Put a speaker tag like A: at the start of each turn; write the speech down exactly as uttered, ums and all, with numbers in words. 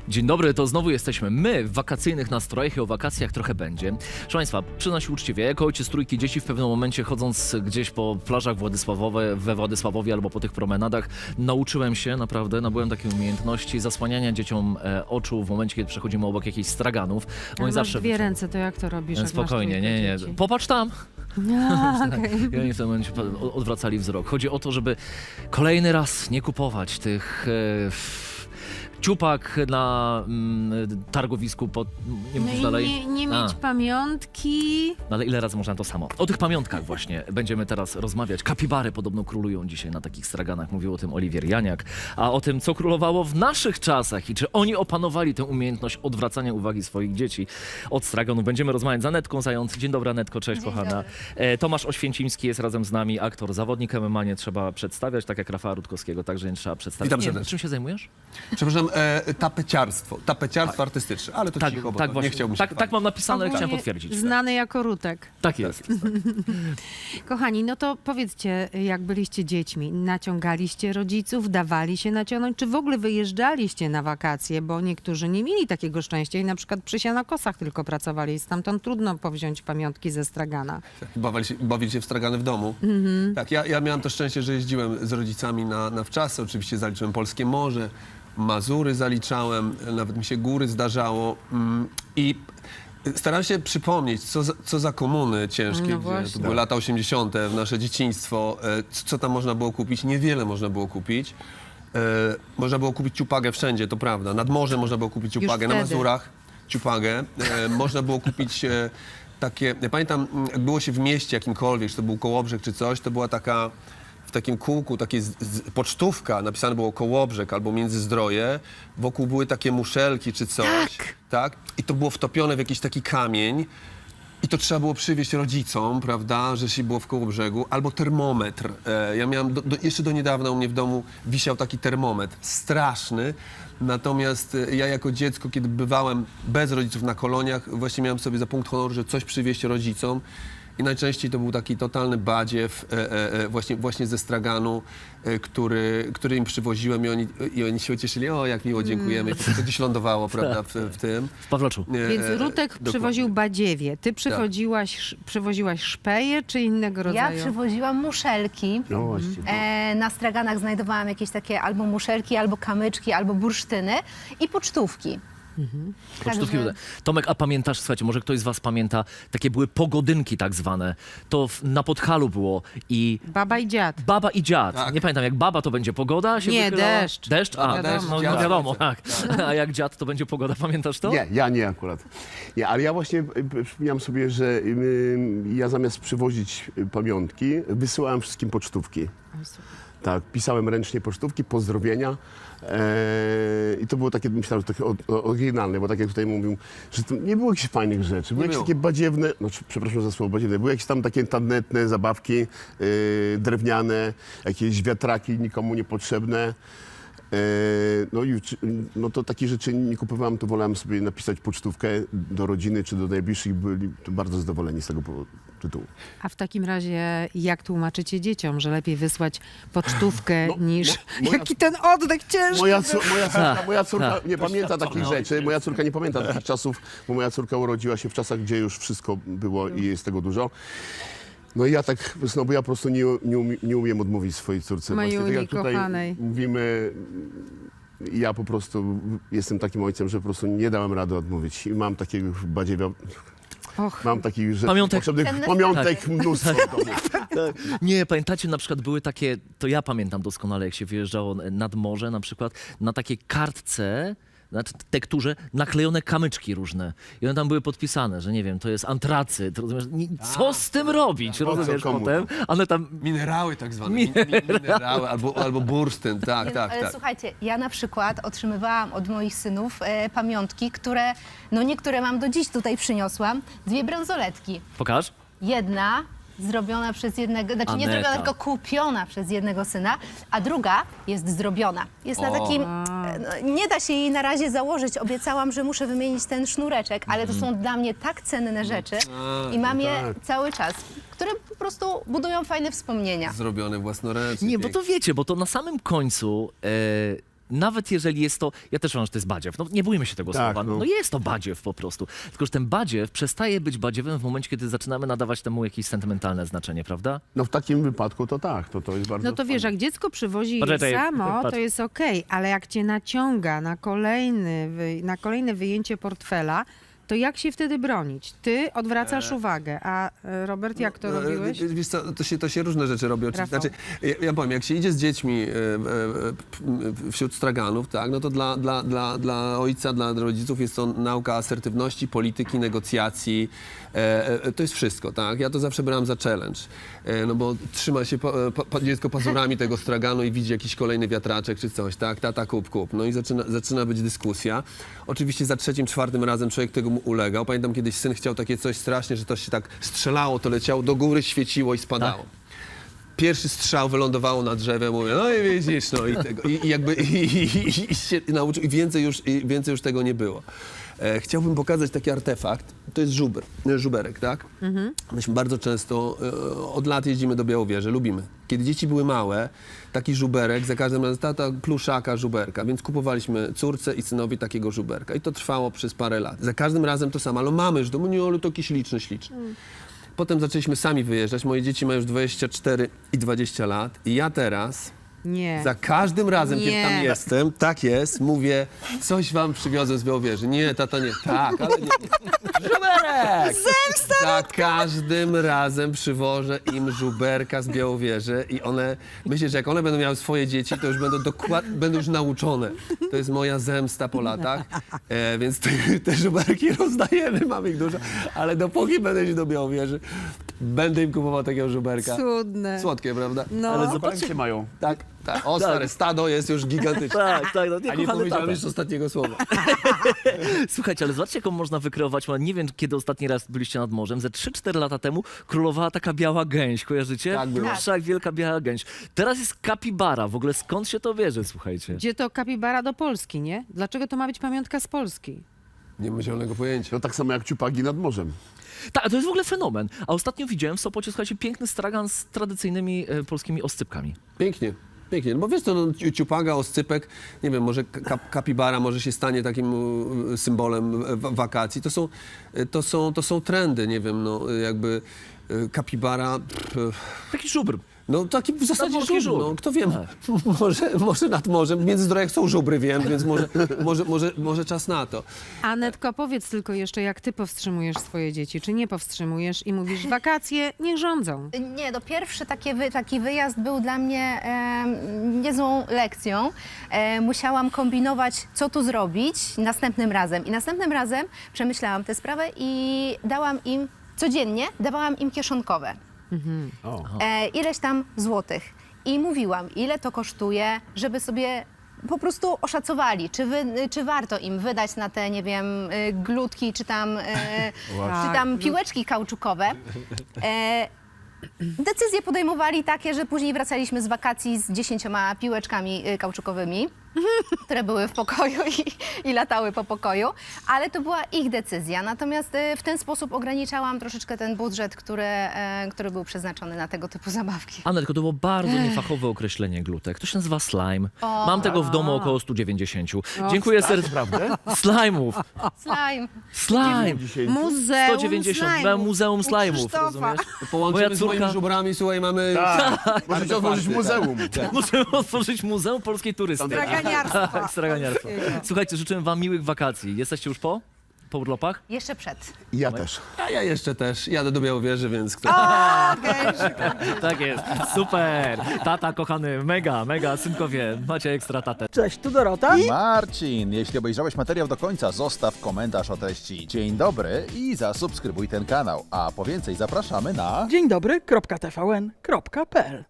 A: Dzień dobry, to znowu jesteśmy my w wakacyjnych nastrojach i o wakacjach trochę będzie. Proszę Państwa, przyznam się uczciwie, jako ojciec trójki dzieci w pewnym momencie chodząc gdzieś po plażach Władysławowe, we Władysławowie albo po tych promenadach, nauczyłem się naprawdę, nabyłem takiej umiejętności zasłaniania dzieciom e, oczu w momencie, kiedy przechodzimy obok jakichś straganów.
B: Ale masz
A: zawsze
B: dwie
A: wycią-
B: ręce, to jak to robisz? Jak
A: Spokojnie,
B: masz
A: nie, nie,
B: dzieci?
A: popatrz tam.
B: A, okej.
A: I oni w tym momencie pa- odwracali wzrok. Chodzi o to, żeby kolejny raz nie kupować tych e, f- ciupak na mm, targowisku, pod, nie
B: No
A: mówisz
B: i
A: dalej?
B: nie, nie
A: A.
B: mieć pamiątki.
A: No ale ile razy można to samo? O tych pamiątkach właśnie będziemy teraz rozmawiać. Kapibary podobno królują dzisiaj na takich straganach. Mówił o tym Oliwier Janiak. A o tym, co królowało w naszych czasach i czy oni opanowali tę umiejętność odwracania uwagi swoich dzieci od straganów. Będziemy rozmawiać z Anetką Zając. Dzień dobry, Anetko, cześć
C: Dzień
A: kochana.
C: dobry.
A: E, Tomasz Oświęcimski jest razem z nami, aktor, zawodnik M M A, nie trzeba przedstawiać, tak jak Rafała Rutkowskiego, także nie trzeba przedstawiać.
D: Witam
A: Nie,
D: serdecznie.
A: czym się zajmujesz?
D: Przepraszam, e, tapeciarstwo. Tapeciarstwo artystyczne, ale to
A: Tak,
D: cicho, bo
A: tak
D: to
A: właśnie.
D: nie chciałbym się
A: tak, tak mam napisane, ale chciałem
B: Ogólnie
A: potwierdzić.
B: Znany jako Rutek.
A: Tak jest.
B: Kochani, no to powiedzcie, jak byliście dziećmi, naciągaliście rodziców, dawali się naciągnąć, czy w ogóle wyjeżdżaliście na wakacje, bo niektórzy nie mieli takiego szczęścia i na przykład przy Sianokosach tylko pracowali i stamtąd trudno powziąć pamiątki ze stragana.
D: Bawili się, bawili się w stragany w domu. Tak, ja, ja miałem to szczęście, że jeździłem z rodzicami na, na wczasy. Oczywiście zaliczyłem Polskie Morze, Mazury zaliczałem, nawet mi się góry zdarzało. Mm, I starałem się przypomnieć, co za, co za komuny ciężkie,
B: No
D: gdzie
B: właśnie.
D: to były lata osiemdziesiąte, w nasze dzieciństwo. E, co, co tam można było kupić? Niewiele można było kupić. E, można było kupić ciupagę wszędzie, to prawda. Nad morzem można było kupić ciupagę, na
B: wtedy.
D: Mazurach ciupagę. E, można było kupić e, takie, ja pamiętam, mm, jak było się w mieście jakimkolwiek, czy to był Kołobrzeg czy coś, to była taka w takim kółku, takie z, z, pocztówka, napisane było Kołobrzeg albo Międzyzdroje, wokół były takie muszelki czy coś.
B: Tak.
D: Tak? I to było wtopione w jakiś taki kamień. I to trzeba było przywieźć rodzicom, prawda, że się było w Kołobrzegu, albo termometr. E, ja miałem, do, do, jeszcze do niedawna u mnie w domu wisiał taki termometr, straszny. Natomiast e, ja jako dziecko, kiedy bywałem bez rodziców na koloniach, właśnie miałem sobie za punkt honoru, że coś przywieźć rodzicom. I najczęściej to był taki totalny badziew e, e, e, właśnie, właśnie ze straganu, e, który, który im przywoziłem i oni, i oni się cieszyli, o jak miło, dziękujemy. I to gdzieś lądowało, prawda, w, w tym.
A: W Pawlaczu.
D: E,
B: Więc
D: e,
B: Rutek
D: dokładnie.
B: przywoził badziewie. Ty przywoziłaś, sz- przywoziłaś szpeje czy innego
C: Ja
B: rodzaju?
C: przywoziłam muszelki.
E: No właśnie.
C: E, na straganach znajdowałam jakieś takie albo muszelki, albo kamyczki, albo bursztyny i pocztówki.
A: Pocztówki.
C: Także-
A: Tomek, a pamiętasz, słuchajcie, może ktoś z was pamięta, takie były pogodynki tak zwane. To w, na Podhalu było i
B: Baba i dziad.
A: baba i dziad.
D: Tak.
A: Nie pamiętam, jak baba to będzie pogoda się
B: Nie,
A: wychylała?
B: deszcz.
A: Deszcz? A,
B: Wiadomo.
A: no, no
D: Dziad.
A: wiadomo, tak. A jak dziad to będzie pogoda, pamiętasz to?
E: Nie, ja nie akurat. Nie, ale ja właśnie y, przypomniałem sobie, że y, ja zamiast przywozić y, pamiątki, wysyłałem wszystkim pocztówki. Tak, pisałem ręcznie pocztówki, pozdrowienia. Eee, I to było takie, myślałem, że takie o- o- oryginalne, bo tak jak tutaj mówił, że to nie było jakichś fajnych rzeczy. Były
D: Nie
E: jakieś
D: było.
E: takie badziewne, no czy- przepraszam za słowo badziewne, były jakieś tam takie tandetne zabawki, yy, drewniane, jakieś wiatraki nikomu niepotrzebne. Eee, no i czy- no to takie rzeczy nie kupowałem, to wolałem sobie napisać pocztówkę do rodziny czy do najbliższych, byli bardzo zadowoleni z tego powodu- tytułu.
B: A w takim razie jak tłumaczycie dzieciom, że lepiej wysłać pocztówkę
E: No,
B: niż...
E: mo- moja-
B: Jaki ten oddech ciężki!
E: Moja, cór- moja córka, moja córka
A: tak.
E: nie pamięta takich rzeczy, moja córka nie pamięta takich czasów, bo moja córka urodziła się w czasach, gdzie już wszystko było i jest tego dużo. No i ja tak, no bo ja po prostu nie, nie, umie, nie umiem odmówić swojej córce. Właśnie tak
B: Majuni,
E: jak tutaj
B: kochanej.
E: mówimy, ja po prostu jestem takim ojcem, że po prostu nie dałem rady odmówić i mam takiego badziewia,
B: Och,
E: mam takich rzeczy
A: Pamiątek.
E: potrzebnych,
C: Cenne
E: pamiątek mnóstwo w domu.
A: Nie, pamiętacie, na przykład były takie, to ja pamiętam doskonale, jak się wyjeżdżało nad morze na przykład, na takiej kartce, na t- tekturze naklejone kamyczki różne. I one tam były podpisane, że nie wiem, to jest antracyt, rozumiesz? Nie, co z tym robić,
E: po co
A: rozumiesz,
E: komu?
A: potem? One tam...
D: Minerały tak zwane, mi, mi, minerały albo, albo bursztyn, tak,
C: Nie,
D: tak,
C: ale
D: tak.
C: słuchajcie, ja na przykład otrzymywałam od moich synów e, pamiątki, które, no niektóre mam do dziś tutaj przyniosłam, dwie bransoletki.
A: Pokaż.
C: Jedna zrobiona przez jednego, znaczy nie
A: Aneta.
C: zrobiona, tylko kupiona przez jednego syna, a druga jest zrobiona. Jest na
D: O.
C: takim, e, no, nie da się jej na razie założyć, obiecałam, że muszę wymienić ten sznureczek, ale to są dla mnie tak cenne rzeczy i mam je
E: tak.
C: cały czas, które po prostu budują fajne wspomnienia.
D: Zrobione własnoręcznie.
A: Nie, bo to wiecie, bo to na samym końcu... E, nawet jeżeli jest to, ja też uważam, że to jest badziew, no nie bójmy się tego
E: Tak,
A: słowa, no.
E: no.
A: jest to badziew po prostu, tylko że ten badziew przestaje być badziewem w momencie, kiedy zaczynamy nadawać temu jakieś sentymentalne znaczenie, prawda?
E: No w takim wypadku to tak, to, to jest bardzo
B: No to wiesz,
E: fajne.
B: jak dziecko przywozi
A: Poczekaj,
B: samo,
A: patrz.
B: to jest okej, ale jak cię naciąga na, kolejny, wy- na kolejne wyjęcie portfela, to jak się wtedy bronić? Ty odwracasz uwagę, a e, Robert, jak to
D: No,
B: robiłeś?
D: e, Wiesz co, to się, to się różne rzeczy robi. Oczywiście.
B: Rafał.
D: Znaczy, ja, ja powiem, jak się idzie z dziećmi e, e, p- wśród straganów, tak, no to dla, dla, dla, dla ojca, dla rodziców jest to nauka asertywności, polityki, negocjacji. E, e, to jest wszystko, tak? Ja to zawsze brałem za challenge. E, no bo trzyma się po, po, po, dziecko pazurami tego straganu i widzi jakiś kolejny wiatraczek czy coś, tak? Tata, kup, kup. No i zaczyna, zaczyna być dyskusja. Oczywiście za trzecim, czwartym razem człowiek tego mu ulegał. Pamiętam, kiedyś syn chciał takie coś strasznie, że to się tak strzelało, to leciało do góry, świeciło i spadało.
A: Tak.
D: Pierwszy strzał wylądowało na drzewie, mówię, no i widzisz, no i tego. I, i jakby i, i, i, i się nauczył, i więcej już, i więcej już tego nie było. E, chciałbym pokazać taki artefakt. To jest żuber, e, żuberek, tak? Myśmy bardzo często, e, od lat jeździmy do Białowieży, lubimy. Kiedy dzieci były małe, taki żuberek, za każdym razem tata pluszaka żuberka, więc kupowaliśmy córce i synowi takiego żuberka. I to trwało przez parę lat. Za każdym razem to samo, ale mamy już, no nie, ale to jakiś liczny, śliczny. Potem zaczęliśmy sami wyjeżdżać. Moje dzieci mają już dwadzieścia cztery i dwadzieścia lat. I ja teraz,
B: Nie.
D: za każdym razem, kiedy
B: Nie.
D: tam jestem, tak jest, mówię, coś wam przywiozłem z Białowieży. Nie, tata, nie. Tak, ale nie. Żuberek! Za każdym razem przywożę im żuberka z Białowieży i one, myślę, że jak one będą miały swoje dzieci, to już będą dokładnie, będą już nauczone. To jest moja zemsta po latach, e, więc te, te żuberki rozdajemy, mamy ich dużo, ale dopóki będę iść do Białowieży, będę im kupował takiego żuberka.
B: Cudne.
D: Słodkie, prawda?
B: No.
A: Ale
E: Zobaczcie, mają.
D: Tak, tak. O, stare, stado jest już gigantyczne.
A: Tak, tak, no nie,
D: A nie
A: kochany
D: powiedziałem
A: tata.
D: jeszcze ostatniego słowa.
A: Słuchajcie, ale zobaczcie, jaką można wykreować. Nie wiem, kiedy ostatni raz byliście nad morzem. Ze trzy cztery lata temu królowała taka biała gęś, kojarzycie?
D: Tak było.
A: Wszak wielka biała gęś. Teraz jest kapibara. W ogóle skąd się to bierze, słuchajcie?
B: Gdzie to kapibara do Polski, nie? Dlaczego to ma być pamiątka z Polski?
D: Nie mam zielonego pojęcia.
E: To tak samo jak ciupagi nad morzem.
A: Tak, to jest w ogóle fenomen. A ostatnio widziałem w Sopocie, słuchajcie, piękny stragan z tradycyjnymi e, polskimi oscypkami.
D: Pięknie. Pięknie, no bo wiesz co, no, ciu- ciupaga, oscypek, nie wiem, może ka- kapibara może się stanie takim e, symbolem e, wa- wakacji. To są, e, to, są, to są trendy, nie wiem, no jakby e, kapibara, pff, e,
A: Taki żubr.
D: no taki w zasadzie
A: Nadmorski
D: żubr, no
A: żubr.
D: kto wie, może, może nad morzem, w Międzyzdrojach są żubry, wiem, więc może, może, może, może czas na to.
B: Anetko, powiedz tylko jeszcze, jak ty powstrzymujesz swoje dzieci, czy nie powstrzymujesz i mówisz, wakacje niech rządzą.
C: Nie, no pierwszy takie wy, taki wyjazd był dla mnie em, niezłą lekcją. E, musiałam kombinować, co tu zrobić następnym razem. I następnym razem przemyślałam tę sprawę i dałam im, codziennie dawałam im kieszonkowe.
E: O.
C: E, ileś tam złotych. I mówiłam, ile to kosztuje, żeby sobie po prostu oszacowali, czy, wy, czy warto im wydać na te, nie wiem, y, glutki, czy tam, y, czy tam piłeczki kauczukowe. E, decyzje podejmowali takie, że później wracaliśmy z wakacji z dziesięcioma piłeczkami y, kauczukowymi, które były w pokoju i, i latały po pokoju, ale to była ich decyzja. Natomiast y, w ten sposób ograniczałam troszeczkę ten budżet, który, e, który był przeznaczony na tego typu zabawki.
A: Anetko, to było bardzo niefachowe określenie glutek. To się nazywa slime. Mam tego w domu około sto dziewięćdziesiąt. Dziękuję serdecznie.
E: Prawda?
A: Slime'ów.
C: Slime.
A: Slime.
E: Dzisiaj
B: Muzeum
A: sto dziewięćdziesiąt.
B: slajmów.
A: Muzeum
B: U
A: slajmów,
B: Krzysztofa.
A: rozumiesz?
D: Połączymy
A: Moja
D: z moimi
A: córka-
D: żubrami, słuchaj, mamy...
E: Tak, możecie otworzyć muzeum.
A: Możemy otworzyć Muzeum Polskiej Turystyki.
B: Straganiarstwa.
A: Tak, straganiarstwa. Słuchajcie, życzę wam miłych wakacji. Jesteście już po? Po urlopach?
C: Jeszcze przed.
E: I ja też.
D: A ja jeszcze też, jadę do Białowieży, więc kto...
A: Tak jest. Super. Tata kochany, mega, mega. Synkowie, macie ekstra tatę.
F: Cześć, tu Dorota.
G: Marcin, jeśli obejrzałeś materiał do końca, zostaw komentarz o treści dzień dobry i zasubskrybuj ten kanał. A po więcej zapraszamy na...
F: Dzień dobry, kropka T V N, kropka P L.